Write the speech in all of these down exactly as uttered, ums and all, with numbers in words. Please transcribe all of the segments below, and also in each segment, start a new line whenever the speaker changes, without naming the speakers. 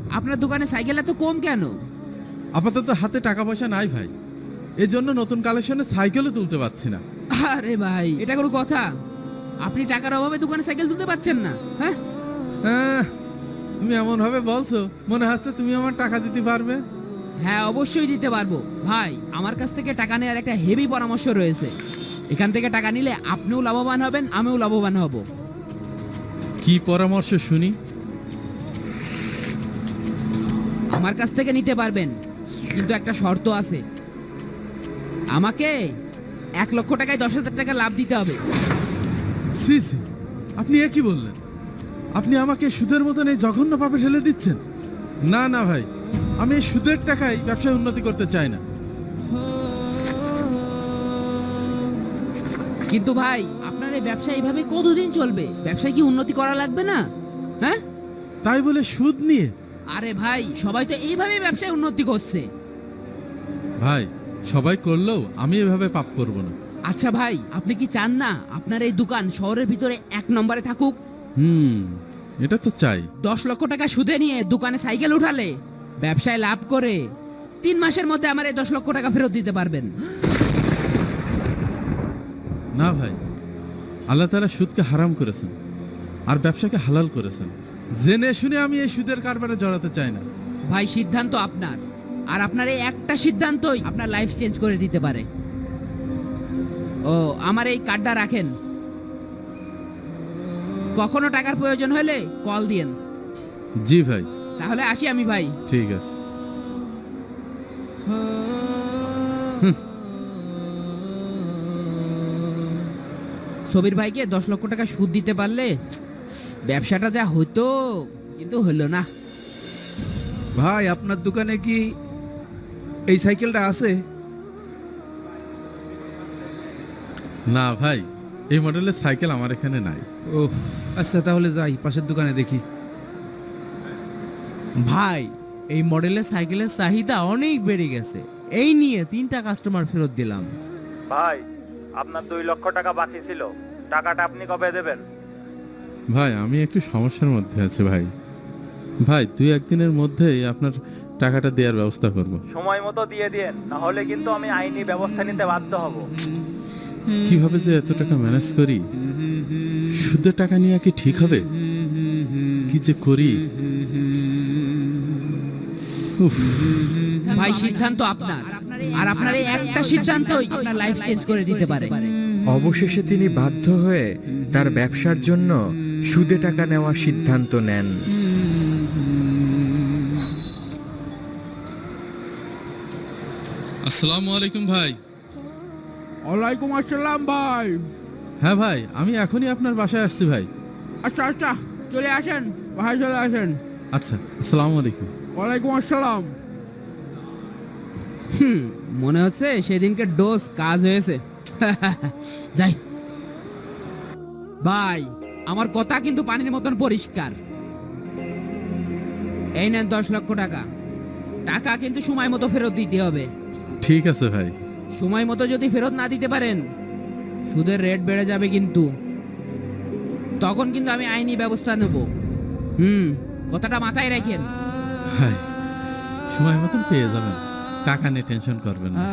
আপনার দোকানে সাইকেল এত কম কেন?
আপাতত হাতে টাকা পয়সা নাই ভাই, এই জন্য নতুন কালেকশনে সাইকেলও তুলতে পারছি না।
আরে ভাই, এটা কোনো কথা? আপনি টাকার অভাবে দোকানে সাইকেল তুলতে পারছেন না? হ্যাঁ,
হ্যাঁ, তুমি এমন ভাবে বলছো মনে হচ্ছে তুমি আমার টাকা দিতে পারবে।
হ্যাঁ অবশ্যই দিতে পারবো ভাই। আমার কাছ থেকে টাকা নেওয়ার একটা হেভি পরামর্শ রয়েছে। এখান থেকে টাকা নিলে আপনিও লাভবান হবেন, আমিও লাভবান হব।
কি পরামর্শ শুনি?
আমার কাছ থেকে নিতে পারবেন, কিন্তু একটা শর্ত আছে। আমাকে এক লক্ষ টাকায় দশ হাজার টাকা লাভ দিতে হবে।
সি সি, আপনি এ কি বললেন? আপনি আমাকে সুদের মতন এই জঘন্য পাপে ঠেলে দিচ্ছেন। না না ভাই, আমি এই সুদের টাকায় ব্যবসায় উন্নতি করতে চাই না।
কিন্তু ভাই, আপনার এই ব্যবসা এইভাবে কতদিন চলবে? ব্যবসায় কি উন্নতি করা লাগবে না? হ্যাঁ,
তাই বলে সুদ নিয়ে?
আরে ভাই, সবাই তো এইভাবেই ব্যবসায় উন্নতি করছে।
ভাই, সবাই করলেও আমি এভাবে পাপ করব না।
আচ্ছা ভাই, আপনি কি চান না আপনার এই দোকান শহরের ভিতরে এক নম্বরে থাকুক?
হুম, এটা তো চাই।
দশ লক্ষ টাকা সুদে নিয়ে দোকানে সাইকেল উঠালে ব্যবসায় লাভ করে তিন মাসের মধ্যে আমার এই দশ লক্ষ টাকা ফেরত দিতে পারবেন।
না ভাই, আল্লাহ তাআলা সুদকে হারাম করেছেন আর ব্যবসাকে হালাল করেছেন। জেনে শুনে আমি এই সুদের কারবারে জড়াতে চাই না।
ভাই, সিদ্ধান্ত আপনার, আর আপনার এই একটা সিদ্ধান্তই আপনার লাইফ চেঞ্জ করে দিতে পারে। ও, আমার এই কার্ডটা রাখেন, কখনো টাকার প্রয়োজন হলে কল দিয়েন।
জি ভাই।
তাহলে আসি আমি ভাই।
ঠিক আছে।
সবির ভাইকে দশ লক্ষ টাকা সুদ দিতে পারলে ব্যবসাটা যা হতো, কিন্তু হলো না।
ভাই, আপনার দোকানে কি এই সাইকেলটা আছে?
না ভাই, এই মডেলের সাইকেল আমার এখানে নাই।
ও আচ্ছা, তাহলে যাই পাশের দোকানে দেখি।
ভাই, এই মডেলের সাইকেলের চাহিদা অনেক বেড়ে গেছে, এই নিয়ে তিনটা কাস্টমার ফেরত দিলাম।
ভাই, আপনার দুই লক্ষ টাকা বাকি ছিল, টাকাটা আপনি কবে দেবেন?
ভাই, আমি একটু সমস্যার মধ্যে আছি ভাই। ভাই, দুই একদিনের মধ্যেই আপনার টাকাটা দেওয়ার ব্যবস্থা করব।
সময় মতো দিয়ে দিন, না হলে কিন্তু আমি আইনি ব্যবস্থা নিতে বাধ্য হব।
কিভাবে যে এত টাকা ম্যানেজ করি? সুদের টাকা নিয়ে কি ঠিক হবে? কি যে করি। উফ।
ভাই, সিদ্ধান্ত আপনার, আর আপনার এই একটা সিদ্ধান্তই আপনার লাইফ চেঞ্জ করে দিতে পারে।
অবশেষে তিনি বাধ্য হয়ে তার ব্যবসার জন্য সুদে টাকা নেওয়ার সিদ্ধান্ত নেন।
আসসালামু আলাইকুম ভাই।
ওয়ালাইকুম আসসালাম ভাই।
হ্যাঁ ভাই, আমি এখনই আপনার বাসায় আসছি ভাই।
আচ্ছা আচ্ছা, চলে আসেন ভাই, চলে আসেন।
আচ্ছা, আসসালামু আলাইকুম।
ওয়ালাইকুম আসসালাম। হুম, মনে হচ্ছে সেদিনকে ডোজ কাজ হয়েছে। যাই ভাই, আমার কথা কিন্তু পানির মতন পরিষ্কার। এই নেন দশ লক্ষ টাকা। টাকা কিন্তু সময় মতো ফেরত দিতে হবে।
ঠিক আছে ভাই।
সময় মতো যদি ফেরত না দিতে পারেন, সুদের রেট বেড়ে যাবে কিন্তু। তখন কিন্তু আমি আইনি ব্যবস্থা নেব। হুম, কথাটা মাথায় রাখেন।
ভাই, সময় মতন পেয়ে যাবেন, টাকা নিয়ে টেনশন করবেন না।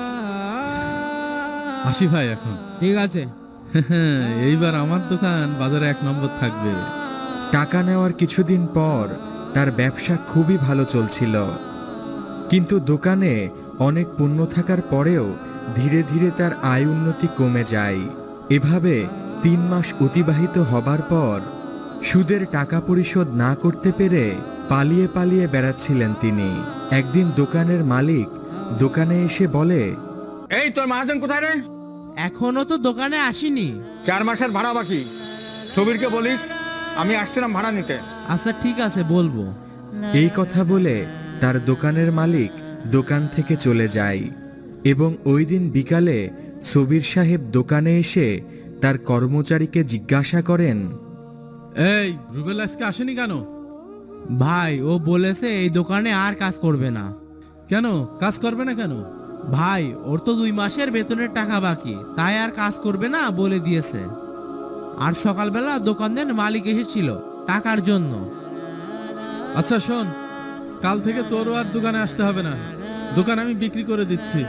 আসি ভাই এখন।
ঠিক আছে।
এইবার আমার দোকান বাজারে এক নম্বর থাকবে।
টাকা নেওয়ার কিছুদিন পর তার ব্যবসা খুবই ভালো চলছিল, কিন্তু দোকানে অনেক পণ্য থাকার পরেও ধীরে ধীরে তার আয় উন্নতি কমে যায়। এভাবে তিন মাস অতিবাহিত হবার পর সুদের টাকা পরিশোধ না করতে পেরে পালিয়ে পালিয়ে বেড়াচ্ছিলেন তিনি। একদিন দোকানের মালিক দোকানে এসে বলে,
এই তোর মহাজন কোথায় রে?
এখনো তো দোকানে আসিনি।
চার মাসের ভাড়া বাকি, সবিরকে বলিস আমি আসছিলাম ভাড়া নিতে।
আচ্ছা ঠিক আছে, বলবো।
এই কথা বলে তার দোকানের মালিক দোকান থেকে চলে যায় এবং ওই দিন বিকালে সবির সাহেব দোকানে এসে তার কর্মচারীকে জিজ্ঞাসা করেন,
এই রুবেল আজকে আসেনি কেন?
ভাই, ও বলেছে এই দোকানে আর কাজ করবে না।
কেন কাজ করবে না কেন?
ভাই, ওর তো দুই মাসের বেতনের টাকা বাকি, তাই আর কাজ করবে না বলে দিয়েছে। আর সকালবেলা দোকানের মালিক এসেছিল টাকার জন্য।
আচ্ছা শোন, কাল থেকে তোরও আর দোকানে আসতে হবে না, দোকান আমি বিক্রি করে দিচ্ছি।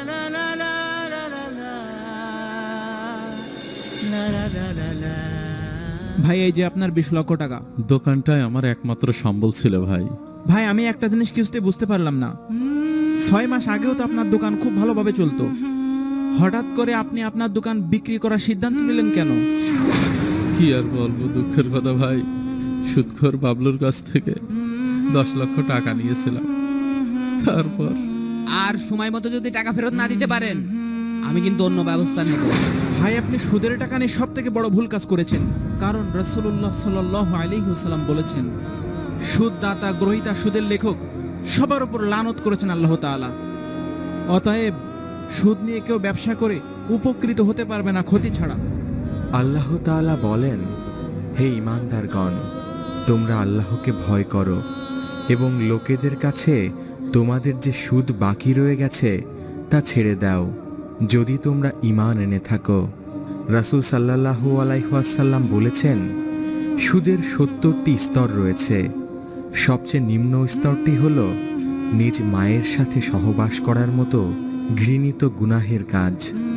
ভাই এই যে আপনার বিশ লক্ষ টাকা।
দোকানটাই আমার একমাত্র সম্বল ছিল ভাই।
ভাই আমি একটা জিনিস কিছুতে বুঝতে পারলাম না, ছয় মাস আগেও তো আপনার দোকান খুব ভালোভাবে চলতো, হঠাৎ করে আপনি আপনার দোকান বিক্রি করার সিদ্ধান্ত নিলেন কেন?
কি আর বলবো, দুঃখের কথা ভাই, সুদখোর বাবলুর কাছ থেকে দশ লক্ষ টাকা নিয়েছিলাম। তারপর
আর সময় মতো যদি টাকা ফেরত না দিতে পারেন আমি কিন্তু অন্য ব্যবস্থা নেব।
ভাই আপনি সুদের টাকা নিয়ে সব থেকে বড় ভুল কাজ করেছেন, কারণ রাসূলুল্লাহ সাল্লাল্লাহু আলাইহি ওয়াসাল্লাম বলেছেন, সুদ দাতা, গ্রহীতা, সুদের লেখক সবার উপর লানত করেছেন আল্লাহ তাআলা। অতএব সুদ নিয়ে কেউ ব্যবসা করে উপকৃত হতে পারবে না ক্ষতি ছাড়া।
আল্লাহ তাআলা বলেন, হে ঈমানদারগণ, তোমরা আল্লাহকে ভয় করো এবং লোকেদের কাছে তোমাদের যে সুদ বাকি রয়ে গেছে তা ছেড়ে দাও, যদি তোমরা ঈমান এনে থাকো। রাসূল সাল্লাল্লাহু আলাইহি ওয়াসাল্লাম বলেছেন, সুদের সত্তরটি স্তর রয়েছে। সবচেয়ে নিম্ন স্তরটি হল নিজ মায়ের সাথে সহবাস করার মতো ঘৃণিত গুনাহের কাজ।